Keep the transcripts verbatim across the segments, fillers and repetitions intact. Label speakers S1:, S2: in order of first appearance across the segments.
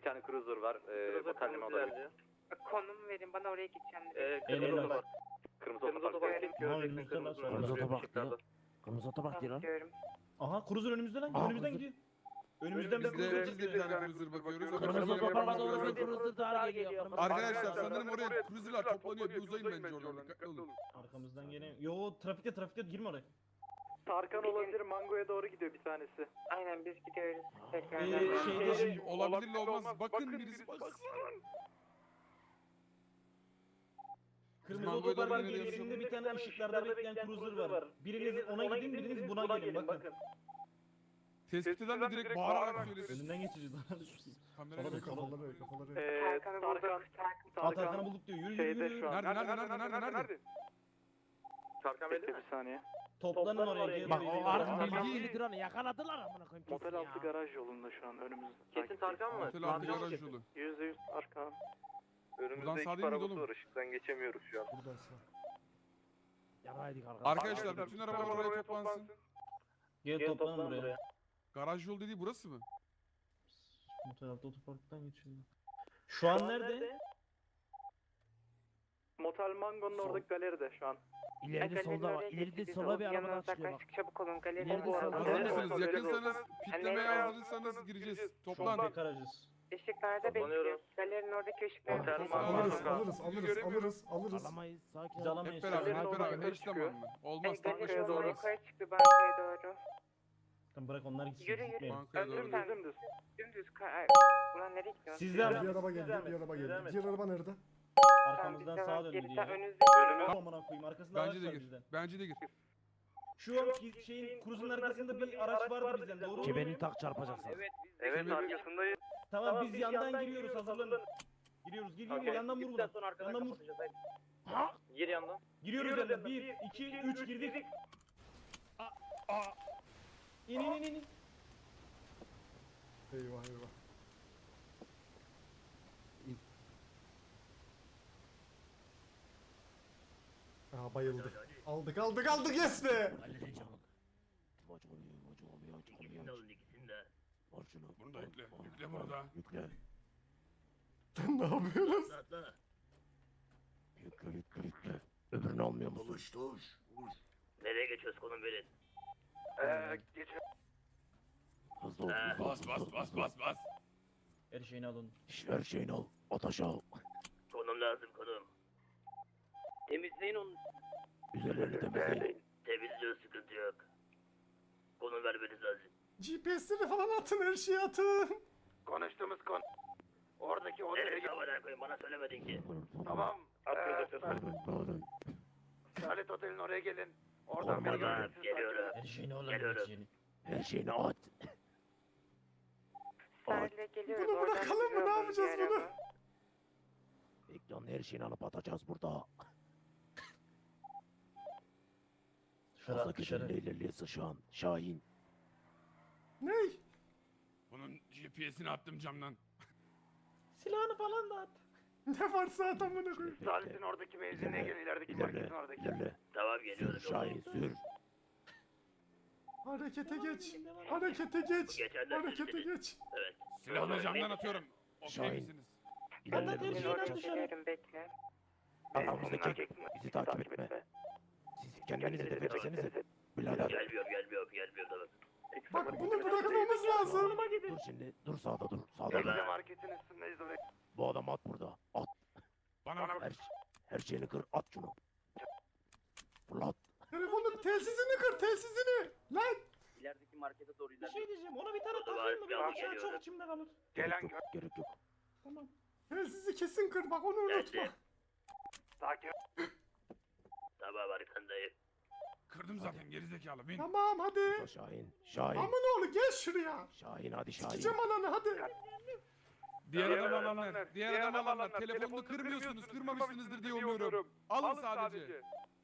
S1: tane cruiser var. Ee, otelleme olabilir.
S2: Konum verin bana, oraya gideceğim.
S1: Ee,
S3: Kırmızı
S1: kırmızı
S3: otopark.
S1: Kırmızı
S3: Kırmızı
S1: otopark.
S3: otopark.
S4: Göreceksin
S3: Kırmızı
S4: kırmızı
S3: otopark diyor.
S4: Kırmızı otopark diyor lan.
S2: Diyorum.
S5: Aha cruiser önümüzden lan.
S4: Aa,
S5: Önümüzden
S4: cruiser.
S5: gidiyor. Önümüzden bir
S6: Biz de,
S5: cruiser
S6: biz de bir
S5: çıktı.
S6: tane cruiser bakıyoruz.
S4: Kırmızı
S6: Bakalım
S4: otoparka doğru
S6: yapabiliyoruz.
S4: bir cruiser daha geliyor. Kırmızı
S6: Arkadaşlar
S4: otoparka doğru.
S6: sanırım oraya cruiser'lar toplanıyor. Bir uzayın bence oradan. Dikkatli olun.
S5: Arkamızdan gene. Yo trafikte trafikte girme oraya.
S1: Tarkan olabilir, Mango'ya doğru gidiyor bir tanesi.
S2: Aynen biz gidiyoruz. Tekrar.
S5: Ee, şeyde-
S6: Şimdi olabilirle olmaz. Bakın birisi baksın.
S5: Kırmızı
S6: Mango'ya doğru
S5: otoparkın
S6: gidiyoruz.
S5: girişinde bir tane ışıklarda bekleyen cruiser var. Biriniz ona gidin, biriniz buna gelin. Bakın.
S6: Tespit eden de direkt bağırarak söylesin.
S5: Önünden geçeceğiz.
S6: Kameraya
S5: Sola
S6: bak.
S5: dön, sola dön.
S7: Kafaları kafaları.
S1: Ee,
S2: Tarkan'ı
S1: Tarkan,
S2: bulduk. Tarkan.
S5: Aa, Tarkan'ı bulduk diyor. Yürü yürü
S1: şeyde
S5: yürü.
S1: şu an.
S6: Nerede nerede nerede nerede nerede?
S1: Tarkan bekle bir saniye.
S5: Toplanın oraya. Gelin.
S4: Bak o arka
S5: Aha.
S4: bilgi ildir onu yakaladılar amına koyayım.
S1: Motel
S4: kesin
S1: altı
S4: ya.
S1: garaj yolunda şu an önümüzde.
S3: Kesin Tarkan mı?
S6: Otel altı garaj yolu.
S1: Yüzde yüz Tarkan.
S6: Buradan
S1: Önümüzde
S6: sağ
S1: iki
S6: değil miydi
S1: arabası
S6: oğlum?
S1: var, ışıktan geçemiyoruz şu an.
S7: Buradan sağ.
S4: Yaraydık arkadaşlar.
S6: Arkadaşlar bütün arabalar oraya toplansın.
S5: Gel toplanın buraya.
S6: Garaj yol dediği burası mı?
S5: Motel altı otoparktan geçiyor. Şu an nerede?
S1: Motel Mango'nun oradaki galeride şu an.
S4: İleride solda var. İleride sola bir araba daha çıkıyor bak.
S2: Uzaklaştık, çabuk olun. Galeride
S4: İleride
S2: bu
S4: solda.
S2: arada.
S6: Hazır
S1: Evet,
S6: mısınız?
S1: evet,
S6: Yakınsanız
S1: evet.
S6: pitlemeye hazırsanız gireceğiz.
S5: Şu an
S6: Toplan.
S5: tek aracız.
S2: Işıklarda
S3: Toplanıyoruz.
S2: bekliyoruz. Galerinin oradaki ışıklarda
S1: Motel
S2: bekliyoruz.
S1: Mango.
S7: Alırız
S1: Mango.
S7: alırız alırız alırız alırız.
S4: Alamayız. Sakin
S5: Biz
S4: ol.
S5: alamayız.
S6: Hep beraber, hep
S1: Galerinin
S6: beraber.
S1: orada
S6: Eş
S1: çıkıyor.
S6: zamanlı. Olmaz,
S2: Galerinin
S6: taklaşa
S2: oradan
S6: olmaz.
S2: yukarı çıktı bankaya doğru.
S5: Tamam bırak onlar gitsin.
S2: Yürü, yürü.
S5: gitmeyin.
S6: Bankaya doğru.
S2: Öldürsen.
S1: Dümdüz.
S2: Dümdüz. ka- Ulan nereye gidiyorsun?
S5: Sizden
S7: Bir
S5: mi?
S7: araba geldi bir araba geldi. Diğer araba nerede?
S5: Arkamızdan sağa döndü diye.
S2: Önünüzde.
S5: Önümüzde. Amına koyayım arkasında araç
S6: Bence de
S5: var
S6: gir.
S5: bizden.
S6: Bence de gir.
S5: Şu an ki- şeyin kruzun arkasında bir araç vardı bizden doğru mu?
S4: Kemerini tak çarpacaksın.
S1: Evet arkasındayız.
S5: Tamam biz yandan giriyoruz hazırlanın. Giriyoruz gir gir gir yandan vur buradan. Yandan vur.
S3: Gir yandan.
S5: Giriyoruz yandan. bir, iki, üç girdik. İn in in in.
S7: Eyvah eyvah. Aa bayıldı. Aldık aldık aldık yes be.
S4: Halledin çabuk. Maç oluyor, maç oluyor, maç oluyor. Var şunu.
S6: Bunu da yükle,
S4: Al,
S6: yükle
S4: al,
S6: bunu da.
S4: Yükle.
S7: Ne yapıyoruz?
S4: Yükle, yükle, yükle. Öbürünü almıyor musun?
S8: Nereye geçiyoruz konum verin.
S1: Eee geç.
S4: Hızlı ol, hızlı ol.
S6: Bas bas bas bas bas.
S5: Her şeyini alın.
S4: Şş, her şeyini al. At aşağı.
S8: Konum lazım konum.
S3: Temizleyin onu.
S4: Üzerlerini temizleyin.
S8: Temizliyor sıkıntı yok. Konum vermeniz lazım.
S7: G P S'leri falan atın her şeyi atın.
S1: Konuştuğumuz konu. Oradaki otele
S8: Nereye
S1: git.
S8: havaya koyun bana söylemedin ki.
S1: Tamam. Eee Salet Otel'in oraya gelin. Oradan beni
S4: Tamam,
S1: göreceksiniz.
S8: geliyorum.
S4: Her şeyini al.
S8: Geliyorum.
S4: Her şeyini. Her şeyini at.
S2: Sahile geliyoruz.
S7: Bunu
S2: oradan
S7: bırakalım mı?
S2: bizi
S7: Ne
S2: alın
S7: yapacağız
S2: bir
S7: bunu?
S2: araba.
S4: Bekle her şeyini alıp atacağız burada.
S5: Dışarı
S4: Fazla
S5: at dışarı.
S4: güçlü ilerliyorsa şu an. Şahin.
S7: Ney?
S6: Bunun G P S'ini attım camdan.
S5: Silahını falan da at.
S7: Ne varsa at amına koyayım.
S1: Salet'in oradaki benzinliğe gelin. ilerideki marketin
S4: İlerle.
S1: oradaki.
S4: İlerle.
S8: Tamam
S4: Sür
S8: geliyorum.
S4: Şahin sür.
S7: Harekete geç. Harekete geç.
S8: Geçenler
S7: Harekete
S8: sizsiniz.
S7: geç.
S8: Evet.
S6: Silahını camdan atıyorum. Okey
S4: Şahin.
S6: misiniz?
S4: İlerle.
S5: her
S4: doğru
S5: şeyini
S4: yapacağız.
S5: at dışarı.
S2: Geliyorum bekle.
S4: Arkamızdaki bizi takip etme. Siz kendinizi hedef etsenize. Birader.
S8: Gelmiyorum gelmiyorum gelmiyorum tamam.
S7: Bak bunu bırakmamız lazım.
S4: Dur şimdi. Dur sağda dur. Sağda dur.
S1: Bize marketin üstündeyiz oraya.
S4: Bu adam at burada. At.
S6: Bana bak.
S4: Her, her şeyini kır. At şunu. Fırlat.
S7: Telefonun telsizini kır telsizini. Lan.
S3: İlerideki markete doğru
S5: Bir
S3: ilerle.
S5: şey diyeceğim ona bir tane
S8: Oldu,
S5: takayım mı?
S8: ben
S5: Benim aşağı
S8: geliyorum.
S5: çok içimde kalır.
S1: Gelen
S4: Gerek
S1: gör.
S4: yok. Gerek yok.
S5: Tamam.
S7: Telsizi kesin kır bak onu unutma.
S8: Geldim.
S1: Sakin.
S8: Tamam arkandayım.
S6: Kırdım zaten gerizekalı bin.
S7: Tamam hadi.
S4: Dur Şahin. Şahin.
S7: Amın oğlu gel şuraya.
S4: Şahin hadi Şahin.
S7: Sikeceğim ananı hadi.
S6: Diğer
S1: Diğer
S6: adam
S1: adamlar,
S6: alanlar.
S1: diğer
S6: Diğer adam
S1: adamlar,
S6: alanlar. Telefonunu
S1: telefonunu
S6: kırmıyorsunuz.
S1: kırmıyorsunuz,
S6: Kırmamışsınızdır diye
S1: kırmamışsınızdır
S6: umuyorum.
S1: diye
S6: Alın sadece.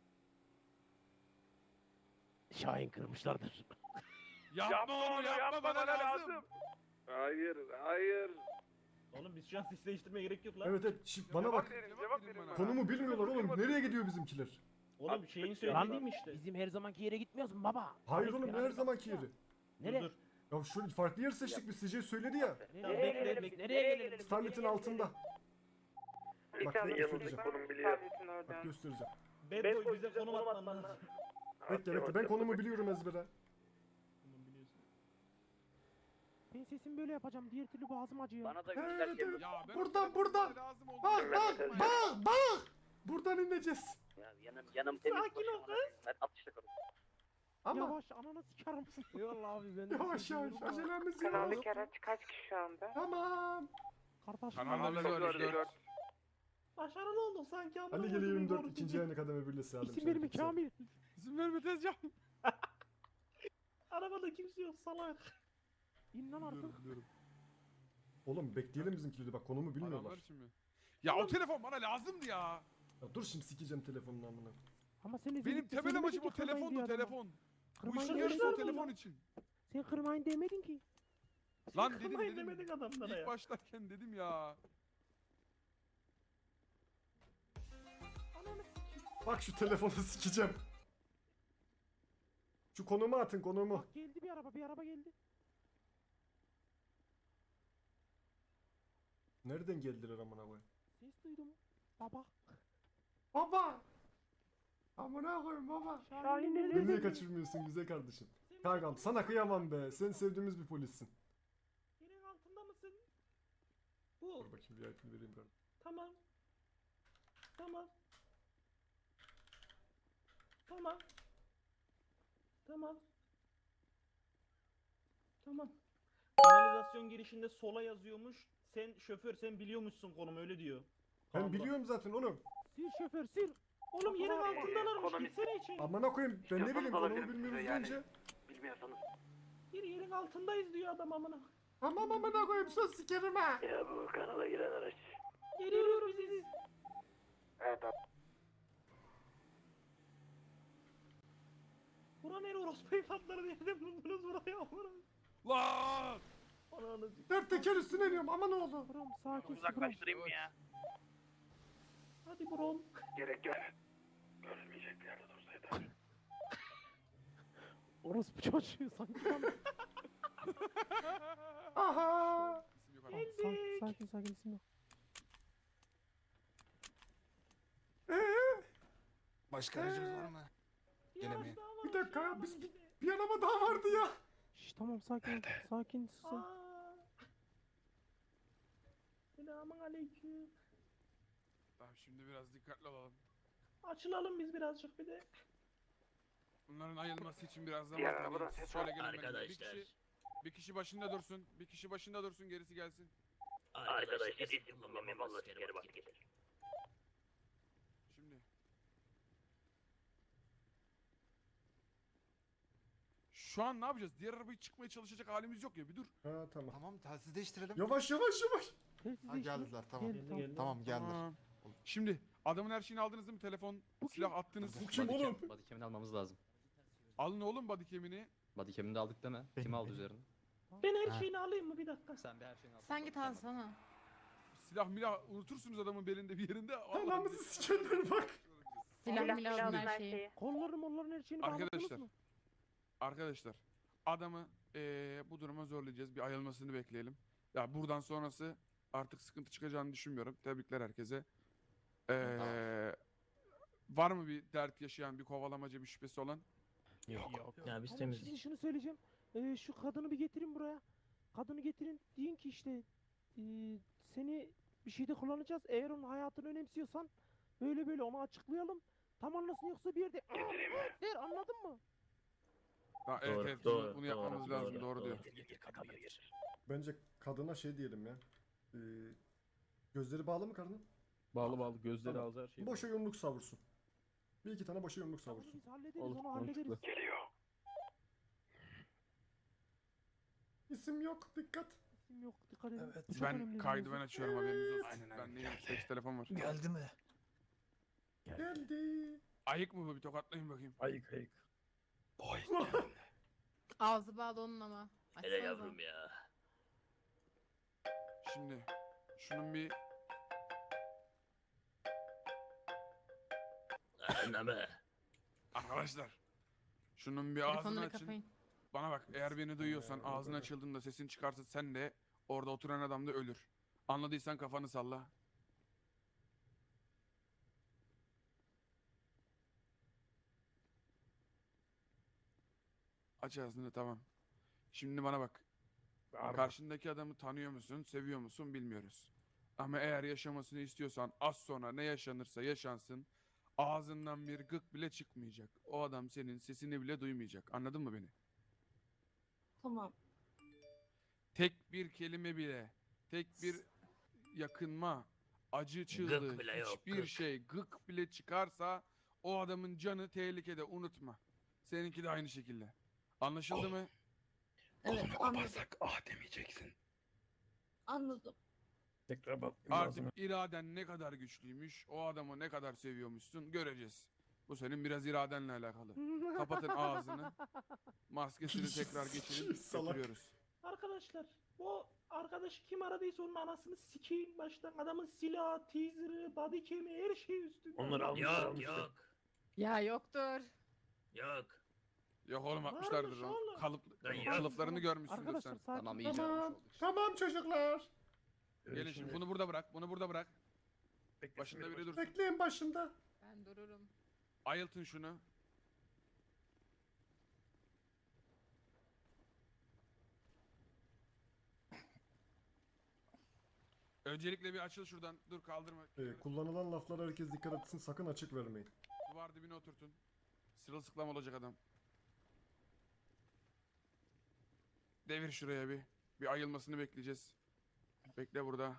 S4: Şahin kırmışlardır.
S6: Yapma onu yapma bana lazım.
S1: Hayır, hayır.
S5: Oğlum biz şu an ses değiştirmeye gerek yok lan.
S7: Evet evet şş, bana bak.
S1: verin, cevap verin bana.
S7: Konumu bilmiyorlar oğlum. Nereye gidiyor bizimkiler?
S5: Oğlum şeyin
S4: Lan
S5: söylediği mi işte?
S4: bizim her zamanki yere gitmiyoruz mu baba?
S7: Hayır
S4: Abi,
S7: oğlum ne
S4: beraber
S7: her zamanki
S4: bak-
S7: yeri.
S4: Nereye?
S5: Dur, dur.
S7: Ya şu farklı yer seçtik biz, C J söyledi ya.
S5: Nereye gelelim? Bekle, nereye gelelim?
S7: Starlet'in altında.
S2: Bir
S7: Bak,
S2: tane
S7: ne göstereceğim.
S2: konum biliyor. Tabletin
S7: Bak
S2: oradan.
S7: göstereceğim.
S5: Bad boy bize konum atman lazım.
S7: Bekle bekle, ben konumu biliyorum ezbere.
S5: Konum biliyorsun.
S4: Ben sesimi böyle yapacağım. Diğer türlü boğazım acıyor.
S3: Bana da
S7: Evet,
S3: göster ki.
S7: evet.
S6: Ya ben
S7: Buradan,
S6: o
S7: buradan.
S6: lazım oldu.
S7: Bak bak bak bak. Buradan ineceğiz.
S3: Ya yanım yanım temiz.
S5: Sakin ol
S3: boşanma. Ben atışla konuş.
S7: Ama
S4: Yavaş ananı sikerim. Eyvallah abi ben de
S7: yavaş
S4: sesi
S7: yavaş,
S4: duyuyorum ama.
S7: acelemiz yok.
S2: Kanaldaki araç kaç kişi şu anda?
S7: Tamam.
S4: Kardeşim
S6: Kanalda biz varız dört.
S5: Başarılı olduk sanki ama.
S7: Ali geliyor yirmi dört ikinci yayını kademe birlesi aldım.
S4: isim verme Kamil.
S6: İzin verme tezcan.
S5: Arabada kimse yok salak.
S4: İn lan artık.
S6: Biliyorum.
S7: Oğlum bekleyelim bizimkileri, bak konumu bilmiyorlar.
S6: Adamlar için mi? Ya o telefon bana lazımdı ya.
S7: Ya dur şimdi sikeceğim telefonunu amına.
S4: Ama sen
S6: Benim
S4: özellikle
S6: temel
S4: söylemedin
S6: amacım
S4: ki
S6: o
S4: kırmayın
S6: telefondu
S4: diye adama.
S6: telefon. Bu
S4: Kırmayın
S6: işin
S4: demedin
S6: yarısı o
S4: ki.
S6: telefon için.
S4: Sen kırmayın demedin ki.
S6: Lan dedim
S5: Kırmayın
S6: dedim.
S5: demedik adamlara
S6: İlk
S5: ya.
S6: başlarken dedim ya.
S5: Ananı sikeyim.
S7: Bak şu telefonu sikeceğim. Şu konumu atın, konumu.
S4: Bak geldi bir araba bir araba geldi.
S7: Nereden geldiler amına koyayım?
S4: Ses duydum. Baba.
S7: Baba! Amına koyayım baba.
S4: Şahin
S7: Beni
S4: nerede?
S7: niye kaçırmıyorsun güzel kardeşim? Kankam sana kıyamam be. Sen sevdiğimiz bir polissin.
S5: Yerin altında mısın? Bu.
S7: Dur bakayım bir ayetini vereyim ben.
S5: Tamam. Tamam. Tamam. Tamam. Tamam. Kanalizasyon girişinde sola yazıyormuş. Sen şoför, sen biliyormuşsun konumu, öyle diyor.
S7: Ben
S5: Kanunda.
S7: biliyorum zaten oğlum.
S4: Sil şoför sil.
S5: Oğlum yerin altındalarmış, gitsene içeri.
S7: Amına koyayım ben ne bileyim konumu bilmiyoruz önce.
S3: Bilmiyorsanız.
S5: Bir yerin altındayız diyor adam amına.
S7: Tamam amına koyayım söz sikerim ha.
S3: Ya bu kanala giren araç.
S5: Geliyoruz biz.
S3: Evet abi.
S5: Bura nere orospu evlatları, nereden buldunuz burayı amına?
S6: Lan!
S5: Ananı.
S7: Dört teker üstüne iniyorum ama ne oldu?
S4: Brom sakin
S3: Uzaklaştırayım mı ya?
S5: Hadi brom.
S3: Gerek yok. Görülmeyecek bir yerde dursaydı.
S4: Orospu çocuğu sanki lan.
S7: Aha!
S6: İsim yok adam.
S4: Sakin sakin sakin isim yok.
S7: Ee,
S9: Başka aracımız var mı?
S5: Bir
S9: Gene
S5: araç
S9: mi?
S5: daha var,
S7: Bir dakika,
S5: şey yapalım
S7: biz-
S5: bir de.
S7: bir araba daha vardı ya.
S4: Şş tamam sakin ol. Sakin susun.
S5: Aa. Selamun aleyküm.
S6: Tamam şimdi biraz dikkatli olalım.
S5: Açılalım biz birazcık bir de.
S6: Bunların ayılması için biraz zaman
S3: Diğer
S6: tanıyın.
S3: arabadan
S6: Siz
S3: ses
S6: şöyle
S3: var.
S6: gelin benimle. Bir
S8: Arkadaşlar.
S6: kişi, bir kişi başında dursun. Bir kişi başında dursun gerisi gelsin.
S8: Arkadaşlar isim kullanmam Allah sikerim bak gelir.
S6: Şimdi. Şu an ne yapacağız? Diğer arabayı çıkmaya çalışacak halimiz yok ya. Bir dur.
S7: Ha tamam.
S9: Tamam telsiz değiştirelim.
S7: Yavaş yavaş yavaş.
S4: Telsiz
S9: Ha,
S4: değiştir.
S9: geldiler tamam.
S4: Geldi, tamam.
S9: Tamam geldiler.
S6: Tamam. Şimdi adamın her şeyini aldınız değil mi? Telefon, silah attınız.
S7: Bu kim oğlum?
S10: Bodycam'ini almamız lazım.
S6: Alın oğlum bodycam'ini.
S10: Bodycam'ini de aldık deme.
S7: Benim,
S10: Kim aldı
S7: benim.
S10: üzerine?
S5: Ben her
S9: Ha.
S5: şeyini alayım mı bir dakika?
S10: Sen bir her şeyini al.
S11: Sen git alsana.
S6: Silah milah unutursunuz adamın belinde bir yerinde. Vallahi
S7: Anamızı
S6: biz-
S7: sikerler bak.
S11: Silah milah her şeyi.
S4: Kolları molların her şeyini bağladınız
S6: Arkadaşlar.
S4: mı?
S6: Arkadaşlar adamı eee, bu duruma zorlayacağız. Bir ayılmasını bekleyelim. Ya buradan sonrası artık sıkıntı çıkacağını düşünmüyorum. Tebrikler herkese. Eee, var mı bir dert yaşayan, bir kovalamaca, bir şüphesi olan?
S3: Yok. Ya biz
S4: Ama
S3: temizlik.
S4: size şunu söyleyeceğim. Ee, şu kadını bir getirin buraya. Kadını getirin. Deyin ki işte ee, seni bir şeyde kullanacağız. Eğer onun hayatını önemsiyorsan böyle böyle onu açıklayalım. Tam anlasın yoksa bir yerde der anladın mı?
S6: Ha, evet
S3: Doğru,
S6: evet
S3: doğru,
S6: bunu yapmamız
S3: doğru,
S6: lazım.
S3: doğru,
S6: Doğru, diyor.
S7: Bence kadına şey diyelim ya. Ee, gözleri bağlı mı karının?
S5: Bağlı bağlı gözleri
S7: Tamam.
S5: ağzı her şey.
S7: Boşa yumruk savursun. Bir iki tane boşa yumruk
S4: Tamam,
S7: savursun.
S4: biz hallederiz
S5: Olur,
S4: onu hallederiz.
S5: mantıklı.
S7: İsim yok, dikkat.
S4: İsim yok dikkat edin.
S9: Evet.
S4: Bu çok önemli
S6: Ben
S4: bir
S6: kaydı ben
S4: mevzu.
S6: açıyorum haberiniz olsun.
S9: Aynen, aynen.
S6: Ben neyim? Seks telefon var.
S9: Geldi mi?
S7: Geldi.
S6: Ayık mı bu? Bir tokatlayın bakayım.
S3: Ayık ayık.
S11: Ağzı bağlı onun ama.
S8: Hele
S11: Açsanıza.
S8: yavrum ya.
S6: Şimdi şunun bir
S8: Anneme.
S6: arkadaşlar şunun bir ağzını
S11: Telefonları
S6: açın.
S11: kapayın.
S6: Bana bak, eğer beni duyuyorsan,
S7: Ee,
S6: ağzın
S7: böyle.
S6: açıldığında sesin çıkarsa sen de orada oturan adam da ölür. Anladıysan kafanı salla. Aç ağzını, tamam. Şimdi bana bak. Karşındaki adamı tanıyor musun, seviyor musun bilmiyoruz. Ama eğer yaşamasını istiyorsan az sonra ne yaşanırsa yaşansın ağzından bir gık bile çıkmayacak. O adam senin sesini bile duymayacak. Anladın mı beni?
S2: Tamam.
S6: Tek bir kelime bile, tek bir yakınma, acı çığlığı,
S8: bile yok,
S6: hiçbir
S8: gık.
S6: şey, gık bile çıkarsa o adamın canı tehlikede, unutma. Seninki de aynı şekilde. Anlaşıldı mı?
S2: Evet,
S3: Kolunu
S2: anladım.
S3: koparsak ah demeyeceksin.
S2: Anladım.
S3: Tekrar bak.
S6: Artık iraden ne kadar güçlüymüş, o adamı ne kadar seviyormuşsun göreceğiz. Bu senin biraz iradenle alakalı. Kapatın ağzını. Maskesini tekrar geçirip
S7: Salak.
S6: götürüyoruz.
S5: Arkadaşlar bu arkadaşı kim aradıysa onun anasını sikeyim baştan. Adamın silahı, teaser'ı, body cam'i her şey üstünde.
S3: Onları almışlar,
S8: Yok
S3: almışlar.
S8: yok.
S11: Ya yoktur.
S8: Yok.
S6: Yok oğlum
S5: Varmış
S6: atmışlardır onu.
S5: oğlum.
S6: Kalıp,
S8: Lan yok.
S6: kalıplarını görmüşsündür
S4: Arkadaşlar
S6: sen.
S4: sakin.
S10: Tamam iyice
S7: Tamam.
S10: almış olduk.
S7: Tamam çocuklar.
S3: Öyle
S6: Gelin şimdi
S3: şimdi
S6: bunu burada bırak, bunu burada bırak.
S3: beklesin
S6: Başında
S3: biri
S6: biri
S3: baş-
S6: dursun.
S7: Bekleyin başında.
S11: Ben dururum.
S6: Ayıltın şunu. Öncelikle bir açıl şuradan. Dur kaldırma.
S7: Ee, kullanılan laflara herkes dikkat etsin. Sakın açık vermeyin.
S6: Duvar dibine oturtun. Sırılsıklam olacak adam. Devir şuraya bir. Bir ayılmasını bekleyeceğiz. Bekle burada.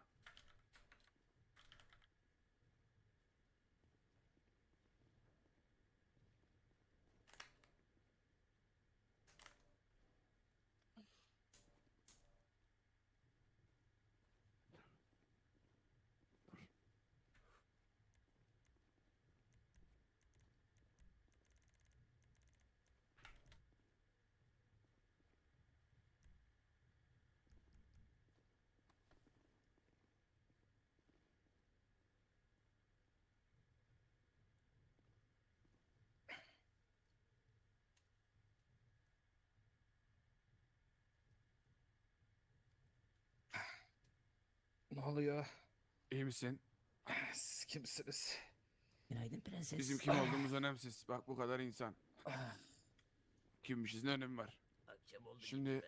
S9: Ne oluyor?
S6: İyi misin?
S9: Siz kimsiniz?
S12: Günaydın prenses.
S6: Bizim kim olduğumuz önemsiz. Bak bu kadar insan. Kimmişiz ne önemi var?
S8: Akşam oldu
S6: Şimdi-
S8: gitme.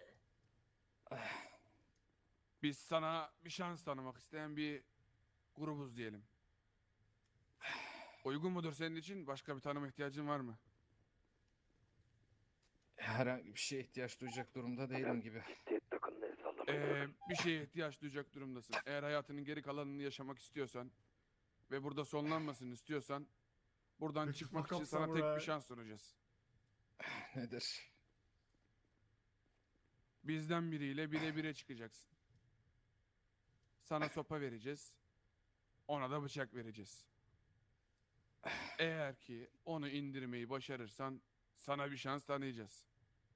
S6: Biz sana bir şans tanımak isteyen bir grubuz diyelim. Uygun mudur senin için? Başka bir tanıma ihtiyacın var mı?
S9: Herhangi bir şeye ihtiyaç duyacak durumda değilim gibi.
S3: Ciddiyet takımını el sallamayın.
S6: Ee, bir şeye ihtiyaç duyacak durumdasın. Eğer hayatının geri kalanını yaşamak istiyorsan ve burada sonlanmasını istiyorsan buradan
S7: Peki,
S6: çıkmak
S7: fuck
S6: için
S7: up
S6: sana tek
S7: samurai.
S6: bir şans sunacağız.
S9: Nedir?
S6: Bizden biriyle bire bire çıkacaksın. Sana sopa vereceğiz. Ona da bıçak vereceğiz. Eğer ki onu indirmeyi başarırsan sana bir şans tanıyacağız.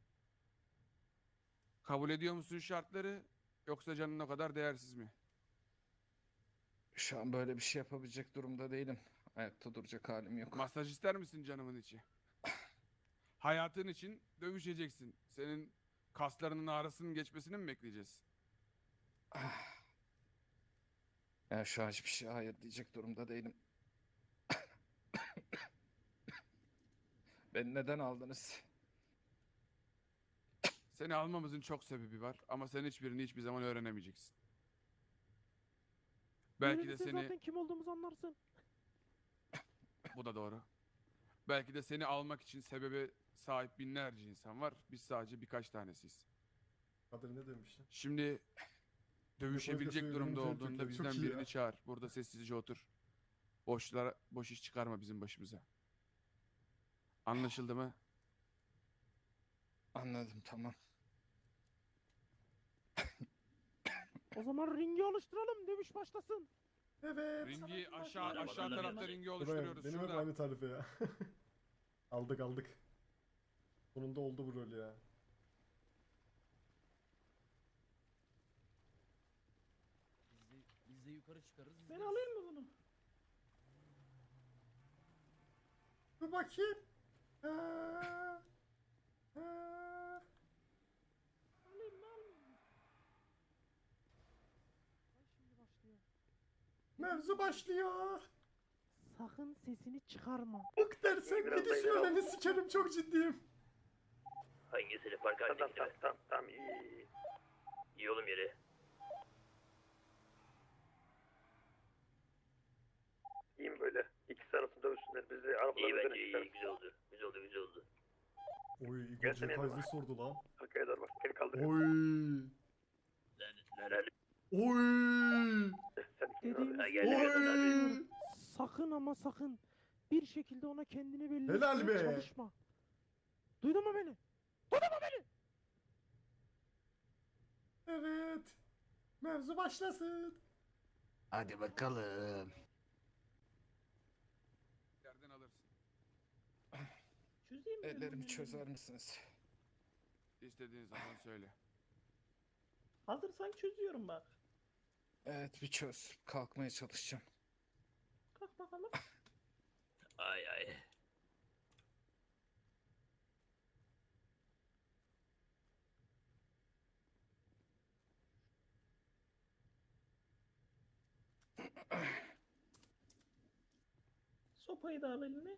S6: Kabul ediyor musun şartları yoksa canın o kadar değersiz mi?
S9: Şu an böyle bir şey yapabilecek durumda değilim. Ayakta duracak halim yok.
S6: Masaj ister misin canımın içi? Hayatın için dövüşeceksin. Senin kaslarının ağrısının geçmesini mi bekleyeceğiz?
S9: Ya şu an hiçbir şeye hayır diyecek durumda değilim. Beni neden aldınız?
S6: Seni almamızın çok sebebi var ama sen hiçbirini hiçbir zaman öğrenemeyeceksin. Belki de
S4: Öğrenirse
S6: seni...
S4: zaten kim olduğumuzu anlarsın.
S6: Bu da doğru. Belki de seni almak için sebebe sahip binlerce insan var. Biz sadece birkaç tanesiyiz.
S7: Kadir ne demiş lan?
S6: Şimdi dövüşebilecek
S7: Yok,
S6: durumda
S7: yok, yok,
S6: olduğunda
S7: yok,
S6: bizden
S7: çok iyi
S6: birini
S7: ya.
S6: çağır. Burada sessizce otur. Boşlara, boş iş çıkarma bizim başımıza. Anlaşıldı mı?
S9: Anladım, tamam.
S4: O zaman ringi oluşturalım. Dövüş başlasın.
S7: Evet.
S6: Ringi aşağı
S8: Arabalarla
S6: aşağı tarafta
S8: yanına-
S6: ringi
S7: Buraya,
S6: oluşturuyoruz.
S7: benim hep
S6: Şurada.
S7: aynı tarife ya. Aldık aldık. Sonunda oldu bu rol ya.
S12: Biz de, biz de yukarı çıkarız.
S5: Ben
S12: izleriz.
S5: alayım mı bunu?
S7: Dur bakayım. Ha, ha. Mevzu başlıyor.
S4: Sakın sesini çıkarma.
S7: Bık dersen
S3: Biraz
S7: gidi
S3: da ileri
S7: sülaleni
S3: al.
S7: sikerim, çok ciddiyim.
S8: Hangisini park
S3: Tamam
S8: halindekini
S3: tamam
S8: mi?
S3: tamam tamam iyi iyi.
S8: İyi oğlum yeri.
S3: İyi mi böyle? İkisi arasında dövüşsünler. Biz de arabadan
S8: İyi
S3: üzerine
S8: bence iyi.
S3: çıkarız.
S8: Güzel oldu. Güzel oldu güzel oldu.
S7: Oy, Igor
S3: Gelsene
S7: J.
S3: yanıma.
S7: Kays'ı sordu lan.
S3: Arkaya doğru bak. Beni kaldır.
S7: Oy.
S8: Neredesin herhalde?
S7: Oy.
S3: Sen kim
S4: Dediğimiz
S3: abi?
S8: Ha, gel gel abi.
S7: Oy.
S4: sakın ama sakın bir şekilde ona kendini belli
S7: Helal
S4: etmeye
S7: be.
S4: çalışma. Duydun mu beni?
S7: Evet. Mevzu başlasın.
S12: Hadi bakalım.
S6: Yerden alırsın.
S5: Çözeyim mi? ben
S9: Ellerimi
S5: bunu?
S9: çözer misiniz?
S6: İstediğin zaman söyle.
S5: Hazırsan çözüyorum bak.
S9: Evet bir çöz. Kalkmaya çalışacağım.
S5: Kalk bakalım.
S8: Ay ay.
S5: Sopayı da al eline.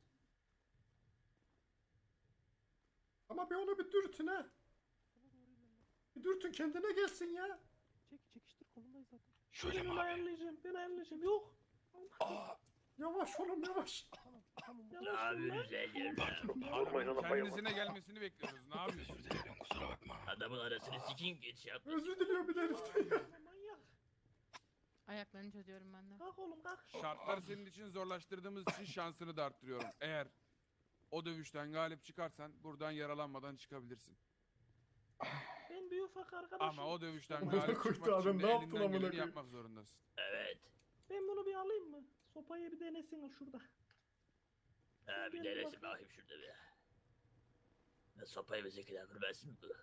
S7: Ama bir onu bir dürtün ha. Bir dürtün, kendine gelsin ya.
S4: Çek çekiştir, kolundayız zaten.
S5: Ben onu ayarlayacağım. Ben ayarlayacağım. Yok.
S7: Yavaş oğlum, yavaş.
S4: Tamam tamam.
S8: Ne
S5: Yavaş ol lan.
S8: yapıyorsun sen yerine?
S3: Vurmayın ona bayılma.
S6: Kendisine gelmesini bekliyoruz. Ne yapıyorsun?
S3: Kusura bakma.
S8: Adamın arasını sikin geç yap.
S7: Özür diliyorum bir de heriften ya.
S5: Manyak.
S11: Ayaklarını çözüyorum ben de.
S5: Kalk oğlum kalk.
S6: Şartları senin için zorlaştırdığımız için şansını da arttırıyorum. Eğer o dövüşten galip çıkarsan buradan yaralanmadan çıkabilirsin.
S5: Ben bir ufak arkadaşım.
S6: Ama o dövüşten
S7: Amına
S6: galip
S7: koydu
S6: çıkmak
S7: adam,
S6: için de
S7: ne yaptın
S6: elinden
S7: amına
S6: geleni
S7: koyayım?
S6: yapmak zorundasın.
S8: Evet.
S5: Ben bunu bir alayım mı? Sopayı bir denesin şurada.
S8: Ha bir
S5: Gel
S8: denesin
S5: bakayım.
S8: bakayım şurada bir. Ne sopayı ve zekiden kırmasın bu.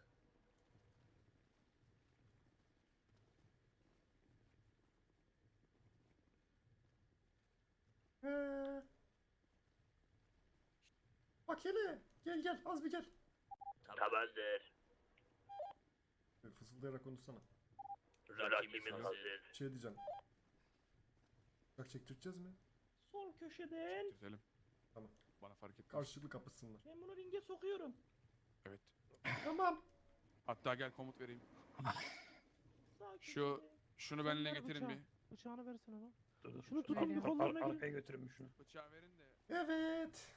S7: He. Bak hele. Gel gel, az bir gel.
S8: Tamamdır.
S7: E, Fısıldayarak konuşsana.
S8: Rakibimiz hazır.
S7: Şey diyeceğim. Bak, çektireceğiz mi?
S5: Sol köşeden.
S6: Keselim.
S7: Tamam.
S6: Bana fark etmez.
S7: Karşılıklı kapışsınlar.
S5: Ben bunu ringe sokuyorum.
S6: Evet.
S7: Tamam.
S6: Hatta gel komut vereyim.
S5: Sağ
S6: Şu-
S5: köşede.
S6: Şunu
S4: Sen
S6: benimle
S4: ver
S6: getirin
S4: bıçağı.
S6: bir.
S4: Bıçağını versene lan.
S3: Dur dur.
S4: Şunu tutun,
S11: Veriyorum.
S4: bir kollarına
S3: Ar-
S4: girin.
S3: Arkaya götürün şunu.
S6: Bıçağı verin de.
S7: Evet.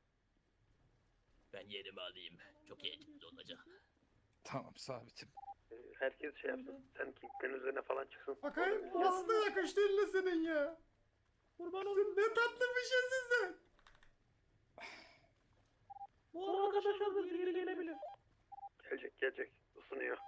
S8: Ben yerimi alayım. Çok eğlenceli olacak.
S9: Tamam sabitim.
S3: Ee, Herkes şey yapsın. Sen Kingpin üzerine falan çıksın.
S7: Bakayım nasıl da yakıştı eline senin ya.
S5: Kurban olayım.
S7: Ne tatlı bir şeysin sen.
S5: Bu arkadaşlar da geri gelebilir.
S3: Gelecek gelecek. Isınıyor.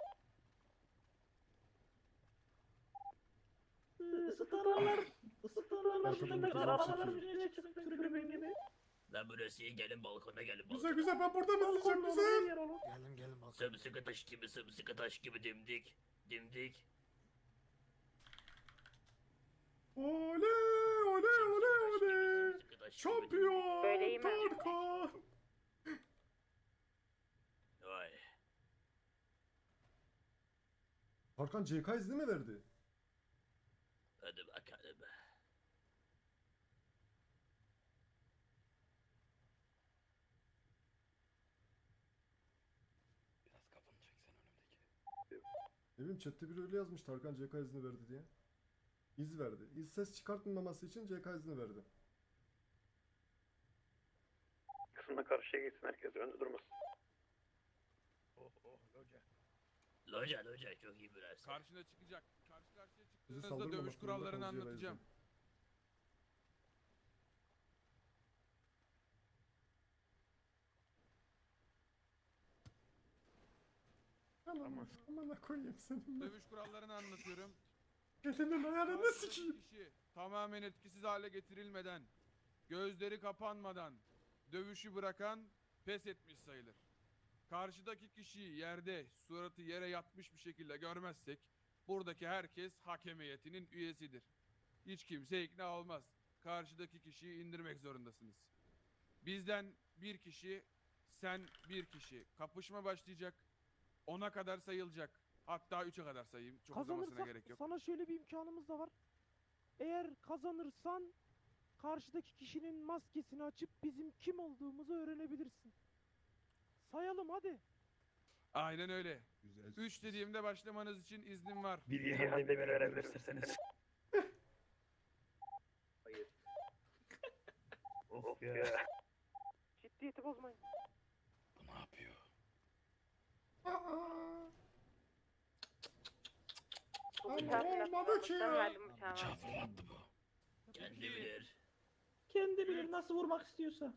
S5: Isıtanlar. Isıtanlar.
S7: Arkadaşlar,
S5: Şimdi
S7: güzel
S5: arabaların
S7: çekiyor.
S5: üzerine çıkıp tribün gibi.
S8: Lan burası iyi gelin balkona gelin balkona.
S7: Güzel güzel, ben buradan izleyeceğim,
S5: Balkonda
S7: güzel.
S5: olan yer olur.
S12: Gelin gelin bakalım.
S8: Sımsıkı taş gibi sımsıkı taş gibi dimdik. Dimdik.
S7: Oley oley oley oley.
S8: Sımsıkı taş gibi dimdik.
S7: Şampiyon
S11: Böyleyim ben.
S7: Tarkan.
S8: Vay.
S7: Tarkan C K izni mi verdi?
S8: Hadi bakalım.
S3: Biraz kafanı çeksen önümdeki.
S7: Ne bileyim, chatte biri öyle yazmış, Tarkan C K izni verdi diye. İz verdi. İz ses çıkartmaması için C K izni verdi.
S3: Kısımda karşıya geçsin herkes. Önde durmasın.
S8: Oh oh loca. Loca loca çok iyi burası.
S6: Karşına çıkacak. Karşı karşıya
S7: Bizi
S6: çıktığınızda
S7: saldırmamak
S6: dövüş
S7: zorunda
S6: kurallarını
S7: kalınca
S6: anlatacağım.
S7: Aman amına koyayım senin ben.
S6: Dövüş kurallarını anlatıyorum.
S7: Elinin ayarını
S6: Karşıdaki
S7: sikeyim.
S6: kişi tamamen etkisiz hale getirilmeden, gözleri kapanmadan dövüşü bırakan pes etmiş sayılır. Karşıdaki kişiyi yerde, suratı yere yatmış bir şekilde görmezsek, buradaki herkes hakem heyetinin üyesidir. Hiç kimse ikna olmaz. Karşıdaki kişiyi indirmek zorundasınız. Bizden bir kişi, sen bir kişi. Kapışma başlayacak. Ona kadar sayılacak. Hatta üçe kadar sayayım. Çok uzamasına
S4: Kazanırsak
S6: gerek yok.
S4: sana şöyle bir imkanımız da var. Eğer kazanırsan karşıdaki kişinin maskesini açıp bizim kim olduğumuzu öğrenebilirsin. Sayalım hadi.
S6: Aynen öyle. Üç dediğimde başlamanız için iznim var.
S3: Bir ihale bir verebilirsiniz. Of ya.
S1: Ciddiyeti bozmayın.
S3: Bu ne yapıyor?
S7: Aa,
S2: Bu
S7: Ama
S2: bıçağı
S7: olmadı ki ya.
S2: verdim bıçağı.
S3: Bıçağı fırlattı bu.
S8: Kendi bilir.
S5: Kendi bilir nasıl vurmak istiyorsa.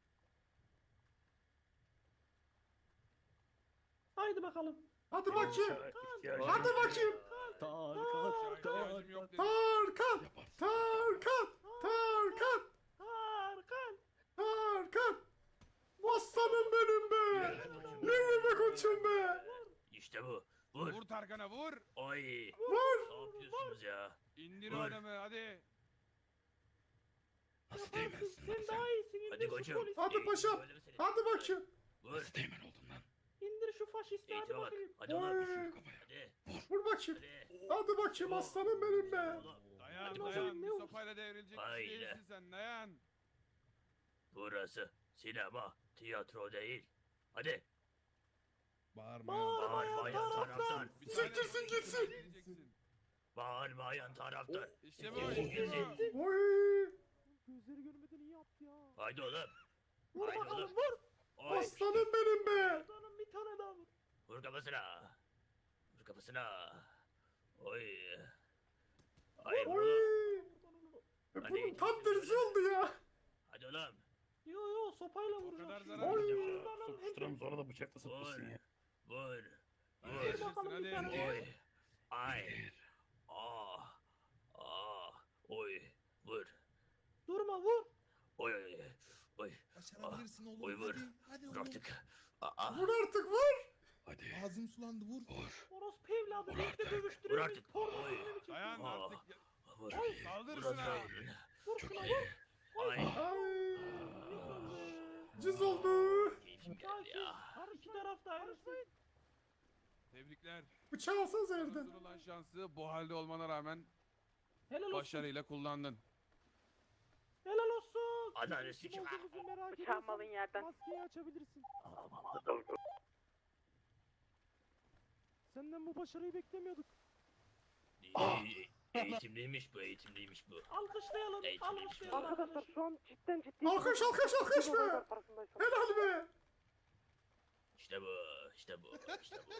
S5: Haydi bakalım.
S7: Hadi bakayım.
S3: Bıçağa ihtiyacım
S7: Hadi
S3: yok.
S7: bakayım.
S6: Bıçağa ihtiyacım yok dedi.
S7: Tarkan.
S3: Yaparsın.
S7: Tarkan. Tarkan.
S5: Tarkan.
S7: Tarkan. Aslanım benim be. Yürü be koçum be.
S8: İşte bu. Vur.
S6: Vur Tarkan'a vur.
S8: Oy.
S7: Vur.
S8: Ne yapıyorsunuz ya?
S6: İndir
S8: Vur.
S6: o adamı hadi.
S3: Nasıl
S5: Yaparsın.
S3: değmezsin
S5: Sen
S3: lan
S5: daha
S3: sen?
S5: iyisin. İndir
S8: Hadi
S5: şu
S8: koçum.
S5: polisi.
S7: Hadi
S8: Eğitim
S7: paşam.
S8: böyle mi senin?
S7: Hadi bakayım.
S8: Vur.
S3: Nasıl değmen oldun lan?
S5: İndir şu faşisti hadi
S8: Eğitime bak.
S5: bakayım.
S8: Hadi oğlum.
S7: Oy.
S3: Kafaya.
S8: Hadi.
S7: Vur bakayım.
S8: Hadi.
S7: Hadi bakayım aslanım benim be.
S8: Oğlum.
S6: Dayan
S5: Hadi
S6: dayan.
S5: bakalım, ne
S6: Bir
S5: olur.
S6: sopayla devrilecek bir
S8: Haydi.
S6: şey değilsin sen dayan.
S8: Burası sinema, tiyatro değil. Hadi.
S9: Bağırma.
S8: Bağırmayan taraftar.
S6: Bir tane
S7: Siktirsin
S6: bir
S7: gitsin.
S6: diyeceksin.
S8: Bağırmayan taraftar.
S6: İşte bu
S8: Gitsin
S6: işte bu.
S8: gitsin.
S7: Oy.
S4: Gözleri görmeden iyi yaptı ya.
S8: Haydi oğlum.
S5: Vur
S8: Haydi
S5: bakalım
S8: oğlum.
S5: vur.
S8: Oy.
S7: Aslanım benim be.
S5: Canım bir tane daha vur.
S8: Vur kafasına. Vur kafasına. Oy. Ay
S7: Oy.
S8: oğlum.
S7: E,
S8: Hadi
S7: bunun
S8: git,
S7: tam
S8: git,
S7: tersi
S8: hadi.
S7: oldu ya.
S8: Hadi oğlum.
S5: Yo yo sopayla
S6: O
S5: vuracağım.
S6: kadar
S5: şimdi.
S6: zarar
S7: Oy.
S6: vereceğim.
S3: Sokuşturam sonra da bıçakla saplasın ya.
S8: Vur.
S6: Hadi
S8: Vur.
S6: yaşasın
S5: bakalım bir
S6: hadi.
S5: tane.
S8: Oy. Ay. Ah. Ah. Oy. Vur.
S5: Durma vur.
S8: Oy oy. Oy.
S9: Başarabilirsin oğlum.
S8: Oy vur.
S9: Hadi
S8: Vur artık. Aa.
S7: Vur artık vur.
S3: Hadi.
S9: Ağzım sulandı vur.
S3: Vur.
S5: Orospu evladı.
S3: Vur
S5: Renkte
S3: artık.
S8: Vur
S5: dövüştürüyoruz.
S8: artık.
S5: Porno
S8: Oy.
S5: filmi mi çekiyoruz?
S6: Dayan
S8: Aa.
S6: artık. ya-
S8: Vur.
S6: Saldır
S8: Burası.
S6: şuna.
S5: Vur
S8: Çok
S5: şuna
S8: iyi.
S5: vur.
S8: Ay.
S7: Ay.
S5: Yıkıldı.
S7: Cız oldu.
S8: Keyfim geldi
S5: Sakin.
S8: ya.
S5: İki taraf da ayrılsın.
S6: Tebrikler.
S7: Bıçağı alsanıza
S6: Sana
S7: yerden.
S6: sunulan şansı bu halde olmana rağmen
S5: Helal olsun.
S6: başarıyla kullandın.
S5: Helal olsun.
S8: Adalet
S4: Kim
S8: sikim.
S4: olduğumuzu merak
S2: Bıçağım alın
S4: ediyorsan
S2: yerden.
S4: maskeyi açabilirsin. Senden bu başarıyı beklemiyorduk.
S8: İyi, Eğitimliymiş bu, eğitimliymiş bu.
S5: Alkışlayalım.
S8: Eğitimliymiş bu.
S5: Alkışlayalım.
S1: Arkadaşlar şu an cidden ciddi.
S7: Alkış alkış alkış be. Helal be.
S8: İşte bu, işte bu, işte bu.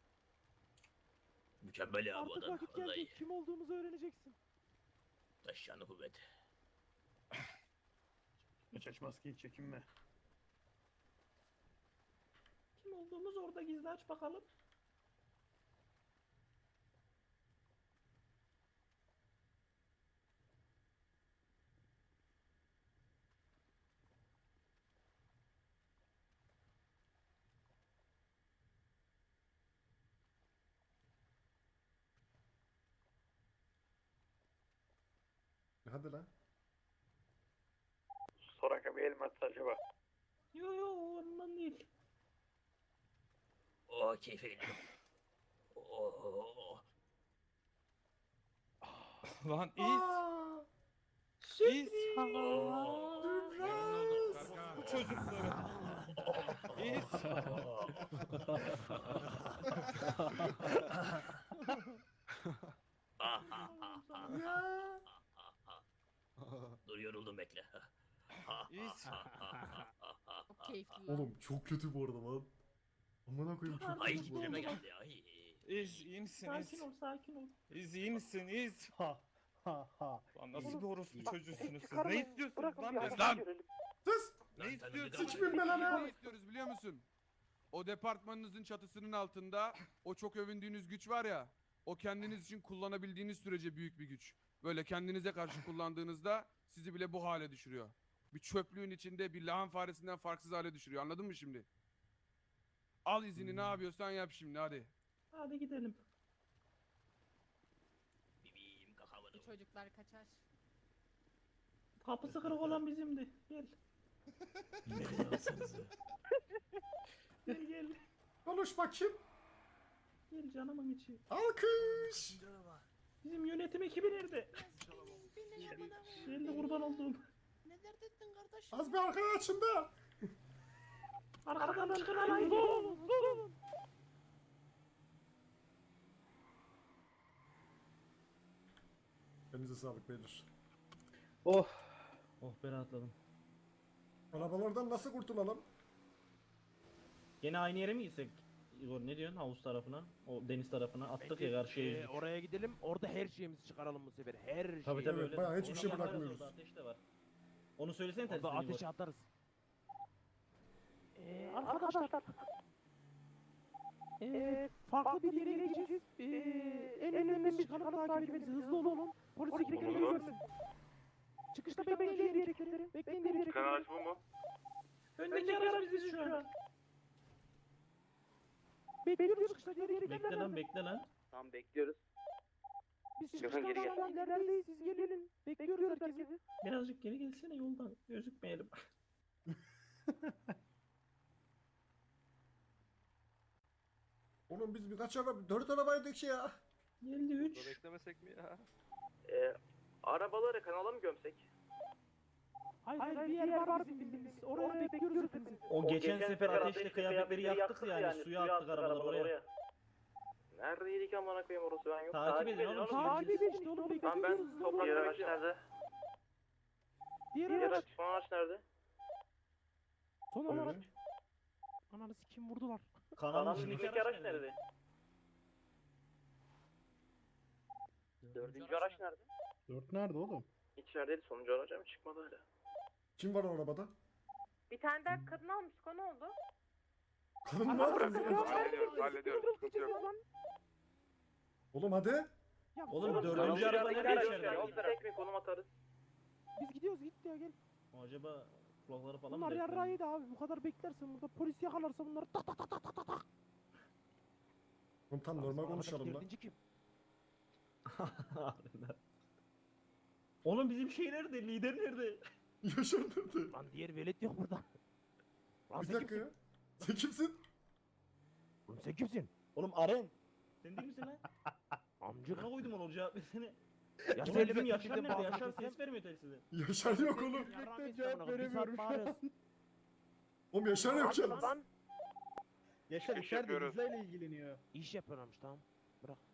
S8: Mükemmel ya bu
S4: Artık
S8: adam.
S4: vakit geldi.
S8: Vallahi
S4: Kim olduğumuzu öğreneceksin.
S8: taşıyanı kuvvet.
S3: Aç aç maskeyi çekinme.
S5: Kim olduğumuz orada gizli aç bakalım.
S7: Hadi lan.
S3: Soraka bir el mi atsa acaba?
S5: Yo yo ondan değil.
S8: Oh keyfe gidiyorum. Oh.
S9: Lan iz.
S7: Aa.
S9: İz.
S8: Oh.
S6: Memnun oldum Tarkan.
S9: Bu çocukları. İz.
S8: Ah, ah, ah, ah,
S7: Ya.
S8: Dur yoruldum bekle.
S9: İz.
S11: Çok keyifli lan.
S7: Oğlum çok kötü bu arada lan. Amına koyayım çok
S8: Ay
S7: kötü bu
S8: titreme
S7: arada.
S8: geldi ay.
S9: İz iyi misin
S5: Sakin
S9: İz?
S5: ol sakin ol.
S9: İz iyi misin İz?
S4: Ha ha ha.
S9: Lan nasıl bir orospu çocuğusunuz siz?
S1: çıkarmayın,
S9: Ne istiyorsunuz
S1: bırakın
S9: lan
S1: bir
S9: bizden?
S6: Lan!
S1: görelim.
S7: Sus.
S9: Ne
S8: Lan
S9: istiyorsun?
S8: tanıdık
S7: Sikmin
S8: ama-
S7: be lan
S6: Ne
S7: ha.
S6: istiyoruz biliyor musun? O departmanınızın çatısının altında o çok övündüğünüz güç var ya, o kendiniz için kullanabildiğiniz sürece büyük bir güç. Böyle kendinize karşı kullandığınızda sizi bile bu hale düşürüyor. Bir çöplüğün içinde bir lahan faresinden farksız hale düşürüyor. Anladın mı şimdi? Al izini ne yapıyorsan yap şimdi hadi.
S5: Hadi gidelim.
S8: Bibim kakamadım.
S11: Bu çocuklar kaçar.
S5: Kapısı kırık olan bizimdi. Gel. Gel gel.
S7: Konuş bakayım.
S5: Gel canımın içi.
S7: Alkış.
S5: Bizim yönetim ekibi nerede? Ben de kurban oldum.
S2: Ne dert ettin kardeş?
S7: Az bir arkaya açın da.
S5: Arkadan çıkın alayım.
S7: Elinize sağlık beyler.
S5: Oh ben rahatladım.
S7: Arabalardan nasıl kurtulalım?
S5: Gene aynı yere mi gitsek? Igor ne diyorsun havuz tarafına? O deniz tarafına attık
S4: Bence,
S5: ya karşıya
S4: e,
S5: yüzdük.
S4: oraya gidelim. Orada her şeyimizi çıkaralım bu sefer. Her şeyi.
S5: Tabii tabii
S7: Evet,
S5: öyle.
S7: bayağı hiçbir
S5: Onu
S7: şey
S5: yaparız,
S7: bırakmıyoruz.
S5: orada ateş de var. Onu söylesene
S4: Orada
S5: telsizden Igor.
S4: ateşe atarız. Ee, arkadaşlar. Ee, farklı bir yere gideceğiz. Ee, en önden çıkanı takip ediniz. Hızlı olun. Polis ekipleri görmesin. Çıkışta bekleyin diğer ekipleri. Bekleyin diğer ekipleri.
S3: Kanal bu mu?
S5: Öndeki araç biziz şu an.
S4: Bekliyoruz çıkışta diğer ekipleri.
S5: Bekle lan bekle lan.
S3: Tamam bekliyoruz.
S4: Biz
S3: Gökhan,
S4: çıkışta
S3: geri gel.
S4: şu an ilerideyiz. Siz gelin. Bekliyoruz herkesi.
S5: Birazcık geri gelsene yoldan gözükmeyelim.
S7: Oğlum biz birkaç araba, dört arabaydık ya.
S5: Geldi üç.
S3: Beklemesek mi ya? Ee, arabaları kanala mı gömsek?
S4: Hayır, hayır bir yer var bizim bildiğimiz. Oraya bekliyoruz hepinizi.
S5: O geçen sefer ateşle kıyafetleri yaktık yani suya attık arabaları oraya.
S3: Neredeydik amına koyayım orası ben yok.
S5: Takip edin oğlum.
S4: Takip edin işte oğlum bekliyoruz.
S3: Tamam ben
S4: hızlı
S3: toprak
S4: olun.
S3: diğer araç nerede?
S4: Diğer
S3: Diğer
S4: araç.
S3: araç, son araç nerede?
S4: Son
S7: Öyle.
S4: araç. Ananı sikim vurdular.
S5: Kanalın
S3: Kanalın
S5: içindeki
S3: araç nerede? Dördüncü araç nerede?
S8: Dört nerede oğlum?
S3: İçerideydi, sonuncu araç ama çıkmadı hala.
S7: Kim var o arabada?
S11: Bir tane daha kadın almıştık o ne oldu?
S7: Kadın mı var?
S3: Hallediyoruz, hallediyoruz. Sıkıntı yok.
S7: Oğlum hadi.
S4: Ya
S5: Oğlum
S4: sonra-
S5: dördüncü araba nereye içeride?
S3: Tek mi konum atarız?
S4: Biz gidiyoruz git ya gel.
S5: Acaba kulakları falan mı
S4: Bunlar
S5: deprem?
S4: yarrağıydı abi. Bu kadar beklersen burada polis yakalarsa bunları tak tak tak tak tak tak tak.
S7: Oğlum tam normal konuşalım lan.
S4: Dördüncü kim?
S5: Harbiden. Oğlum bizim şey nerede? Lider nerede?
S7: Yaşar nerede?
S4: Lan diğer velet yok burada. Lan
S7: Bir
S4: sen
S7: dakika
S4: kimsin?
S7: ya. Sen kimsin?
S4: Oğlum sen kimsin?
S5: Oğlum Aren. Sen değil misin lan?
S4: Amcık.
S5: Buna koydum onu cevap versene.
S4: Ya
S5: Oğlum
S4: söyle
S5: bizim
S4: be,
S5: Yaşar
S4: sizden
S5: nerede?
S4: bahsedeceğim.
S5: Yaşar ses vermiyor telsize.
S7: Yaşar yok oğlum.
S4: Yarrağın cevap veremiyorum şu an.
S7: Oğlum Yaşar yok ya.
S8: Yaşar
S3: İş
S8: içeride
S3: yapıyoruz.
S8: bizlerle ilgileniyor.
S4: İş yapıyorlarmış tamam. Bırak.